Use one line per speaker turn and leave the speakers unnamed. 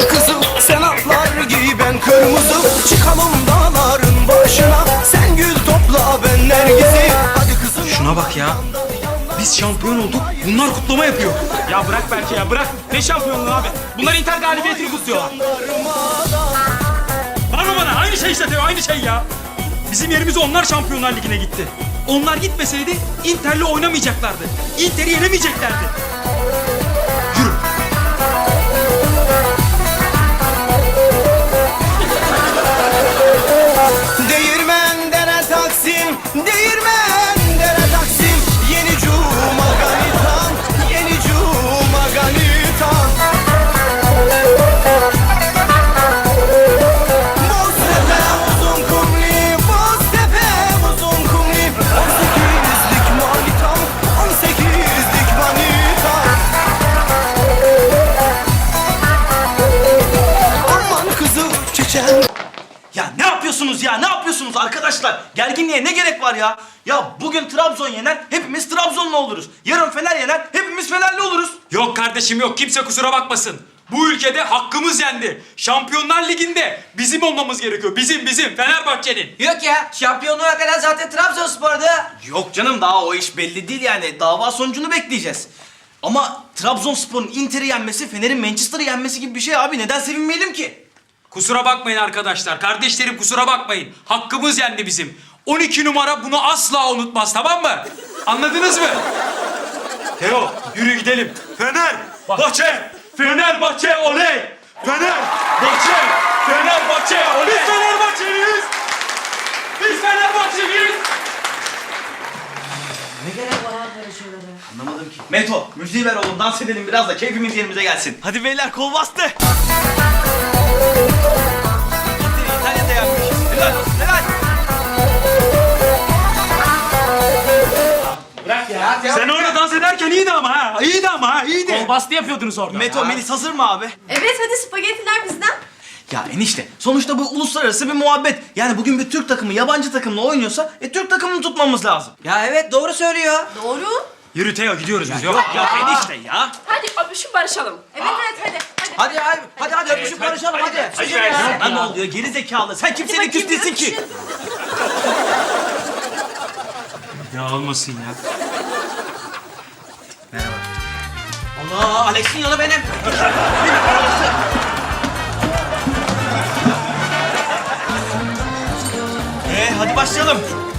Hadi kızım sen atlar giy ben kırmızı. Çıkalım dağların başına. Sen gül topla ben nergisi. Hadi kızım.
Şuna bak ya. Biz şampiyon olduk. Bunlar kutlama yapıyor.
Ya bırak belki ya bırak. Ne şampiyonluğu abi? Bunlar Inter galibiyetini kutluyorlar. Bana aynı şey işte Teo, aynı şey ya. Bizim yerimize onlar Şampiyonlar Ligi'ne gitti. Onlar gitmeseydi Inter'le oynamayacaklardı. Inter'i yenemeyeceklerdi. Yürü.
Değirmen dere Taksim, değirmen dere Taksim. Yeni cuma ganitan, yeni cuma ganitan. Boztepe uzun kumli, Boztepe uzun kumli. 18'lik manitam, 18'lik manitam. Aman kızı çiçeğim.
Ya ne yapıyorsunuz ya? Ne yapıyorsunuz arkadaşlar? Gerginliğe ne gerek var ya? Ya bugün Trabzon yener, hepimiz Trabzonlu oluruz. Yarın Fener yener, hepimiz Fenerli oluruz.
Yok kardeşim yok. Kimse kusura bakmasın. Bu ülkede hakkımız yendi. Şampiyonlar Ligi'nde bizim olmamız gerekiyor. Bizim Fenerbahçe'nin.
Yok ya, şampiyonluğa kadar zaten Trabzonspor'da.
Yok canım daha o iş belli değil yani. Dava sonucunu bekleyeceğiz. Ama Trabzonspor'un Inter'i yenmesi, Fener'in Manchester'ı yenmesi gibi bir şey abi. Neden sevinmeyelim ki?
Kusura bakmayın arkadaşlar. Kardeşlerim kusura bakmayın. Hakkımız yendi bizim. 12 numara bunu asla unutmaz, tamam mı? Anladınız mı? Teo yürü gidelim. Fenerbahçe! Fenerbahçe oley! Fenerbahçe! Fenerbahçe oley! Biz Fenerbahçeliyiz! Biz Fenerbahçeliyiz!
Ne gerek var abi böyle şeylere?
Anlamadım ki. Meto, müziği ver oğlum. Dans edelim biraz da keyfimiz yerimize gelsin. Hadi beyler kol bastı. Inter'i İtalya'da yenmiş. Helal olsun, helal.
Bırak ya. Sen orada dans ederken iyiydi ama ha. İyiydi. Kol bastı yapıyordunuz orada.
Meto, Melis hazır mı abi?
Evet hadi spagettiler bizden.
Ya enişte, sonuçta bu uluslararası bir muhabbet. Yani bugün bir Türk takımı yabancı takımla oynuyorsa Türk takımını tutmamız lazım.
Ya evet, doğru söylüyor.
Doğru.
Yürü Teo gidiyoruz biz. Yok.
Ya enişte ya.
Hadi öpüşüp barışalım.
Evet hadi.
Hadi öpüşüp barışalım hadi.
Sana ne oluyor geri zekalı? Sen kimseyle küs değilsin ki.
Ya olmasın ya.
Allah, Alex'in yolu benim.
Hadi başlayalım.